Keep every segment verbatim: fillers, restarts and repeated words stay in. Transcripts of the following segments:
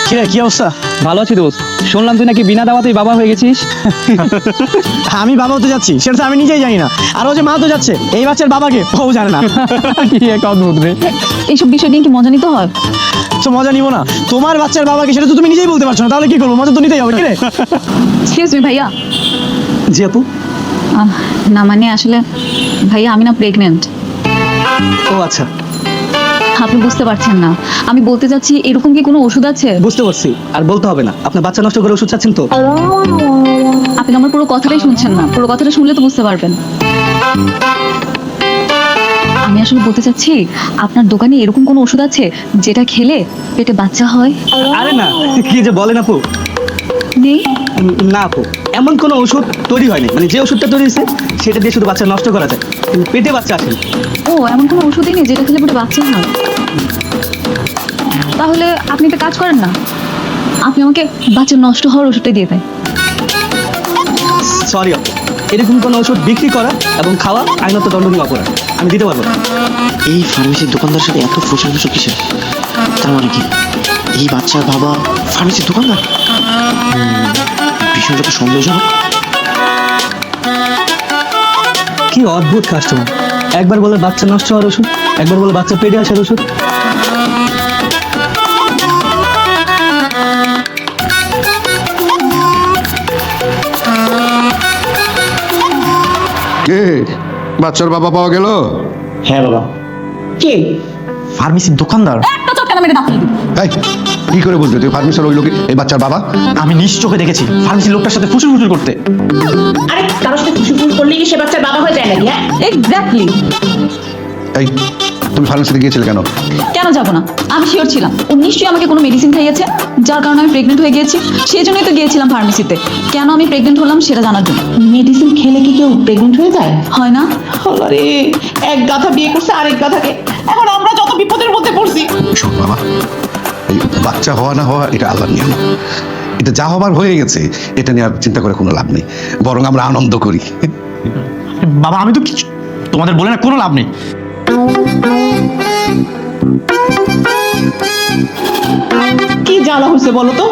কিরে কি অবস্থা? ভালো আছি দোস্ত। শুনলাম তুই নাকি বিনা দাওয়াতেই বাবা হয়ে গেছিস। আমি বাবা হতে যাচ্ছি সেটা তো আমি নিজেই জানি না, আর ও যে মা তো যাচ্ছে এই বাচ্চার বাবাকে ও জানে না। কি এক অদ্ভুত রে। এইসব বিষয় নিয়ে কি মজা নিতে হয়? তো মজা নিবো না? তোমার বাচ্চার বাবাকে সেটা তো তুমি নিজেই বলতে পারছো না, তাহলে কি করবো? মজা তো নিতেই হবে। কিরে? এক্সকিউজ মি ভাইয়া। জি আপু। আহ, না মানে আসলে ভাইয়া আমি না প্রেগনেন্ট। ও আচ্ছা, আপনি বুঝতে পারছেন না, আমি বলতে চাচ্ছি এরকম কি কোনো ওষুধ আছে? বুঝতে পারছি, আর বলতে হবে না। আপনার বাচ্চা নষ্ট করে ওষুধ চাচ্ছেন তো? আপনি আমার পুরো কথাটাই শুনছেন না, পুরো কথাটা শুনলে তো বুঝতে পারবেন। আমি আসলে বলতে চাচ্ছি আপনার দোকানে এরকম কোনো ওষুধ আছে যেটা খেলে পেটে বাচ্চা হয়? আরে না, কি যে বলেন আপু। নেই? উম, না আপু, এমন কোনো ওষুধ তৈরি হয়নি। মানে যে ওষুধটা তৈরি হয়েছে সেটা দিয়ে শুধু বাচ্চা নষ্ট করা যায়, কিন্তু পেটে বাচ্চা আসে না। ও এমন কোনো ওষুধই নেই যেটা খেলে পেটে বাচ্চা হয়? তাহলে আপনি একটা কাজ করেন না, আপনি আমাকে বাচ্চা নষ্ট হওয়ার ওষুধটা দিয়ে দেন। সরি আপু, এরকম কোনো ওষুধ বিক্রি করা এবং খাওয়া আইনত দণ্ডনীয় অপরাধ, আমি দিতে পারবো না। এই ফার্মেসির দোকানদার সাথে এত ফুসল ফুসল কিসের? তার মানে কি এই বাচ্চার বাবা ফার্মেসির দোকানদার? বিষয়টা তো সন্দেহজনক। কি অদ্ভুত কাস্টমার, একবার বলে বাচ্চা নষ্ট হওয়ার ওষুধ, একবার বলে বাচ্চা পেটে আসার ওষুধ। কে বাচ্চার বাবা পাওয়া গেল? হ্যাঁ বাবা। কে? ফার্মেসির দোকানদার। একটা চটকানা মেরে দাঁত এই কি করে বুঝবে তুই ফার্মেসির ওই লোকে এই বাচ্চার বাবা? আমি নিজ চোখে দেখেছি ফার্মেসির লোকটার সাথে ফুসুর ফুসুর করতে। আরে কারোর সাথে ফুসুফুস করলে কি সে বাচ্চার বাবা হয়ে যায় নাকি? হ্যাঁ, এক্স্যাক্টলি। এই তুমি ফার্মেসিতে গিয়েছিলে কেন? কেন যাবো না, আমি শিওর ছিলাম ও নিশ্চয়ই আমাকে কোনো মেডিসিন খাইয়েছে যার কারণে আমি প্রেগনেন্ট হয়ে গিয়েছি, সেই জন্যই তো গিয়েছিলাম ফার্মেসিতে। কেন আমি প্রেগনেন্ট হলাম সেটা জানার জন্য। মেডিসিন খেলে কি কেউ প্রেগনেন্ট হয়ে যায়? হয় না? আরে এক গাধা বিয়ে করছে আরেক গাধাকে, এখন আমরা যত বিপদের মধ্যে পড়ছি। শোন বাবা, এই বাচ্চা হওয়া না হওয়া এটা আল্লাহর নিয়ম। এটা যা হবার হয়ে গেছে, এটা নিয়ে আর চিন্তা করে কোনো লাভ নেই, বরং আমরা আনন্দ করি। বাবা আমি তো কিছু তোমাদের বলে না কোনো লাভ নেই। কি জ্বালা হয়েছে বলো তো?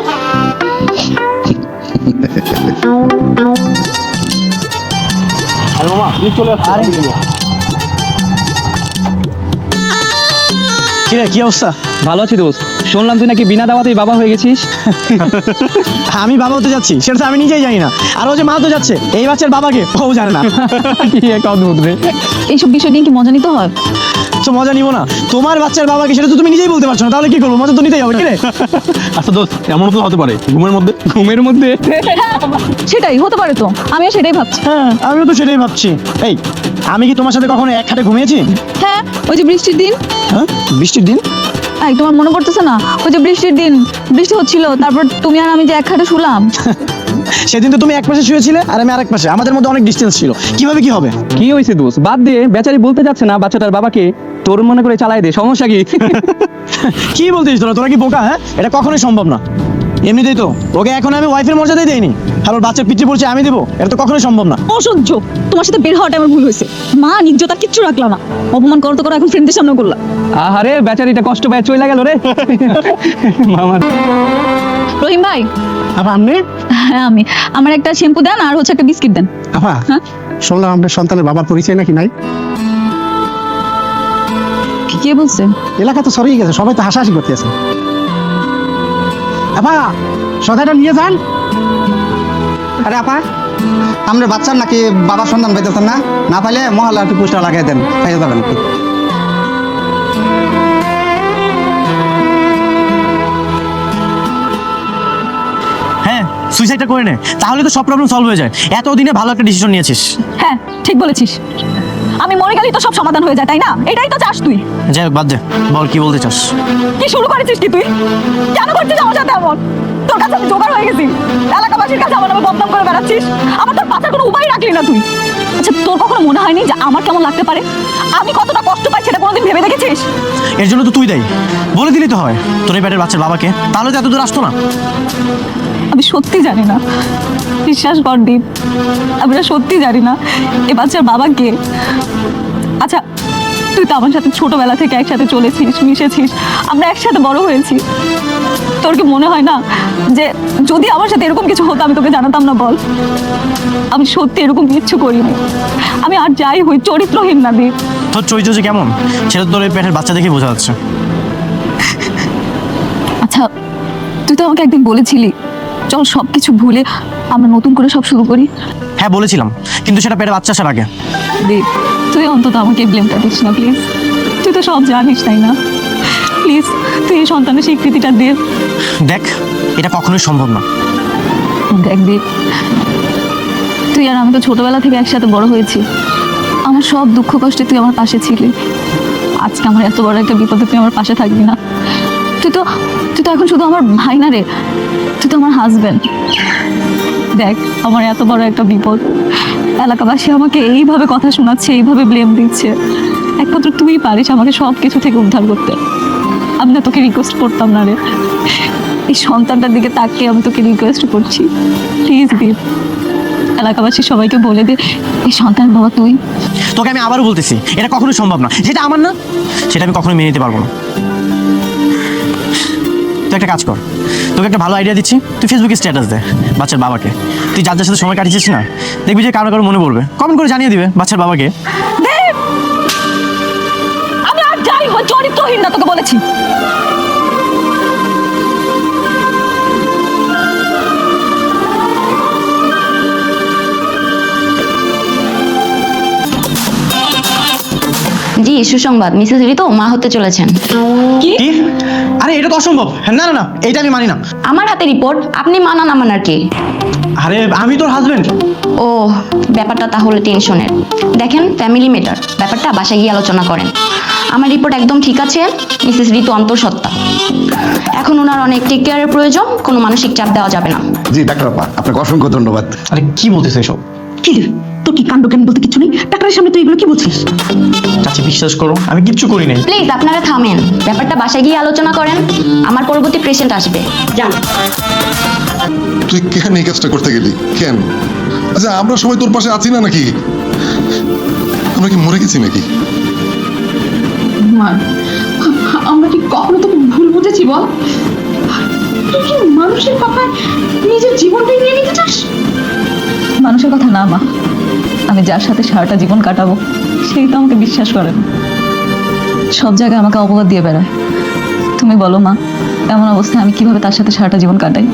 কিরে কি অবস্থা? ভালো আছি দোস্ত। শুনলাম তুই নাকি বিনা দাওয়াতেই বাবা হয়ে গেছিস। আমি বাবা হতে যাচ্ছি সেটা তো আমি নিজেই জানি না, আর ও যে মা তো যাচ্ছে এই বাচ্চার বাবাকে ও জানে না। কি এক অদ্ভুত রে। এইসব বিষয় নিয়ে কি মজা নিতে হয়? তো মজা নিবো না? তোমার বাচ্চার বাবাকে সেটা তো তুমি নিজেই বলতে পারছো না, তাহলে কি করবো? মজা তো নিতেই হবে। কিরে? আচ্ছা দোস্ত, এমন তো হতে পারে ঘুমের মধ্যে ঘুমের মধ্যে সেটাই হতে পারে তো, আমিও সেটাই ভাবছি। হ্যাঁ আমিও তো সেটাই ভাবছি। এই আমি কি তোমার সাথে কখনো এক খাটে ঘুমিয়েছি? হ্যাঁ, ওই যে বৃষ্টির দিন। হ্যাঁ বৃষ্টির দিন? এই তোমার মনে পড়তেছে না, ওই যে বৃষ্টির দিন বৃষ্টি হচ্ছিল, তারপর তুমি আর আমি যে এক খাটে শুলাম। সেদিন তো তুমি এক পাশে শুয়েছিলে আর আমি আরেক পাশে, আমাদের মধ্যে অনেক ডিস্টেন্স ছিল, কিভাবে কি হবে? কি হয়েছে দোস্ত? বাদ দিয়ে, বেচারি বলতে যাচ্ছে না বাচ্চাটার বাবাকে, তোর মনে করে চালাই দে, সমস্যা কি? কি বলতিস তোরা? তোরা কি বোকা? হ্যাঁ এটা কখনোই সম্ভব না। এমনিতেই তো ওকে এখন আমি ওয়াইফের মর্যাদাই দেইনি, আর ওর বাচ্চার পিতৃ পরিচয় আমি দেবো, এটা তো কখনোই সম্ভব না। অসহ্য, তোমার সাথে বের হওয়াটা আমার ভুল হয়েছে। মা নির্জতা কিচ্ছু রাখলা না, অপমান করতে করো এখন ফ্রেন্ডদের সামনে করলা। আহারে বেচারিটা কষ্ট পায় চলে গেল রে। মামার রহিম ভাই। আপা আপনি? হ্যাঁ আমি, আমার একটা শ্যাম্পু দেন আর হচ্ছে একটা বিস্কিট দেন। আপা হ্যাঁ? শুনলাম আপনার সন্তানের বাবার পরিচয় নাকি নাই? কে বলছে? এলাকা তো সরিয়ে গেছে, সবাই তো হাসাহাসি করতেছে। আপা সদাইটা নিয়ে যান। আরে আপা, আমরা বাচ্চার নাকি বাবার সন্ধান পাইতেছেন না? না পাইলে মহল্লা একটু পোস্টার লাগাই দেন, পাইতে যাবেন। হ্যাঁ সুইসাইডটা করে নে, তাহলে তো সব প্রবলেম সলভ হয়ে যায়। এতদিনে ভালো একটা ডিসিশন নিয়েছিস। হ্যাঁ ঠিক বলেছিস, আমি মরে গেলেই তো সব সমাধান হয়ে যায়, তাই না? এটাই তো চাস তুই। যাই হোক বাদ দে, বল কি বলতে চাস? কি শুরু করেছিস কি তুই? কেন করছিস আমার সাথে এমন? তোর কাছে আমি জোগাড় হয়ে গেছি, এলাকাবাসীর কাছে আমার নামে বদনাম করে বেড়াচ্ছিস, আমার তোর বাঁচার কোনো উপায় রাখলি না তুই। আচ্ছা তোর কখনো মনে হয়নি যে আমার কেমন লাগতে পারে, আমি কতটা কষ্ট পাই সেটা কোনোদিন ভেবে দেখেছিস? এর জন্য তো তুই দেয়, বলে দিলি তো হয় তোর এই পেটের বাচ্চার বাবাকে, তাহলে তো এত দূর আসতো না। আমি সত্যি জানি না, বিশ্বাস কর দীপ, আমি সত্যি জানি না এ বাচ্চার বাবা কে। আচ্ছা তুই তো আমার সাথে ছোটবেলা থেকে একসাথে চলেছিস, মিশেছিস, আমরা একসাথে বড় হয়েছি। তোর কি মনে হয় না যে যদি আমার সাথে এরকম কিছু হতো আমি তোকে জানাতাম না? বল, আমি সত্যি এরকম কিচ্ছু করিনি। আমি আর যাই হই চরিত্রহীন না দীপ। তোর চরিত্র যে কেমন সেটা তোর এই পেটের বাচ্চা দেখেই বোঝা যাচ্ছে। আচ্ছা, তুই তো আমাকে একদিন বলেছিলি চল সব কিছু ভুলে আমরা নতুন করে সব শুরু করি। হ্যাঁ বলেছিলাম, কিন্তু সেটা পেটের বাচ্চা আসার আগে। দীপ, তুই অন্তত আমাকে ব্লেমটা দিস না প্লিজ। তুই তো সব জানিস তাই না? প্লিজ তুই এই সন্তানের স্বীকৃতিটা দে। দেখ, এটা কখনোই সম্ভব না। দেখ দীপ, তুই আর আমি তো ছোটবেলা থেকে একসাথে বড় হয়েছি। আমার সব দুঃখ কষ্টে তুই আমার পাশে ছিলি। আজকে আমার এত বড় একটা বিপদে তুই আমার পাশে থাকবি না? তুই তো তুই তো এখন শুধু আমার ভাই না রে, তুই তো আমার হাজবেন্ড। দেখ, আমার এত বড় একটা বিপদ, এলাকাবাসী আমাকে এইভাবে কথা শোনাচ্ছে, এইভাবে ব্লেম দিচ্ছে। একমাত্র তুই পারিস আমাকে সব কিছু থেকে উদ্ধার করতে। আমি না তোকে রিকোয়েস্ট করতাম না রে, এই সন্তানটার দিকে তাকিয়ে আমি তোকে রিকোয়েস্ট করছি, প্লিজ দীপ, এলাকাবাসী সবাইকে বলে দে এই সন্তান বাবা তুই। তোকে আমি আবারও বলতেছি, এটা কখনোই সম্ভব না। যেটা আমার না সেটা আমি কখনোই মেনে নিতে পারবো না। তুই একটা কাজ কর, তোকে একটা ভালো আইডিয়া দিচ্ছি। তুই ফেসবুকে স্ট্যাটাস দে বাচ্চার বাবাকে। তুই যার যার সাথে সময় কাটিয়েছিস না, দেখবি যে কারো কারো মনে পড়বে, কমেন্ট করে জানিয়ে দিবে বাচ্চার বাবাকে। দেব, আমি আর যাই হই চরিত্রহীন না, তোকে বলেছি। জি সুসংবাদ, মিসেস রিতো মা হতে চলেছেন। কি? কি? আরে এটা তো অসম্ভব। না না না, এটা আমি মানি না। আমার হাতে রিপোর্ট, আপনি মানা না মানার কি? আরে আমি তোর হাজবেন্ড। ও, ব্যাপারটা তাহলে টেনশনের। দেখেন, ফ্যামিলি ম্যাটার, ব্যাপারটা বাসায় গিয়ে আলোচনা করেন। আমার রিপোর্ট একদম ঠিক আছে, মিসেস রিতো অন্তঃসত্ত্বা। এখন ওনার অনেক টেক কেয়ারের প্রয়োজন, কোনো মানসিক চাপ দেওয়া যাবে না। জি ডাক্তার আপা, আপনাকে অসংখ্য ধন্যবাদ। আরে কি বলতেছে এসব? কি রে, তোর কি কাণ্ড জ্ঞান বলতে কিছু নেই? ডাক্তারের সামনে তুই এগুলো কি বলছিস? চাচি বিশ্বাস করো, আমি কিচ্ছু করি নাই। প্লিজ আপনারা থামেন, ব্যাপারটা বাসায় গিয়ে আলোচনা করেন। আমার পরবর্তী পেশেন্ট আসবে, যান। তুই কেন এই কাজটা করতে গেলি? কেন? আচ্ছা, আমরা সবাই তোর পাশে আছি না নাকি? আমরা কি মরে গেছি নাকি? মা, আমরা কি কখনো তোকে ভুল বুঝেছি বল? তুই কি মানুষের কথায় নিজের জীবনটাই নিয়ে নিতে চাস? মানুষের কথা না মা, আমি যার সাথে সারাটা জীবন কাটাবো সেই তো আমাকে বিশ্বাস করে না, সব জায়গায় আমাকে অপবাদ দিয়ে বেড়ায়। তুমি বলো মা, এমন অবস্থায় আমি কিভাবে তার সাথে সারাটা জীবন কাটাই?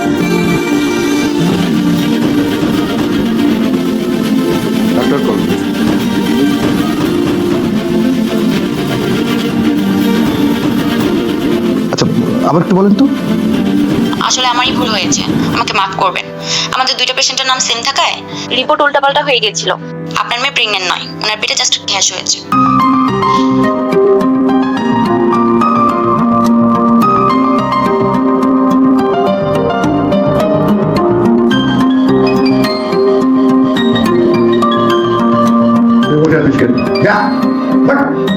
আচ্ছা, আবার একটু বলেন তো। আসলে আমারই ভুল হয়েছে, আমাকে মাফ করবেন। আমাদের দুইটা পেশেন্টের নাম সেম থাকায় রিপোর্ট উল্টাপাল্টা হয়ে গিয়েছিল। আপনার মেয়ে প্রেগনেন্ট নয়, ওনার পেটে জাস্ট গ্যাস হয়েছে। যা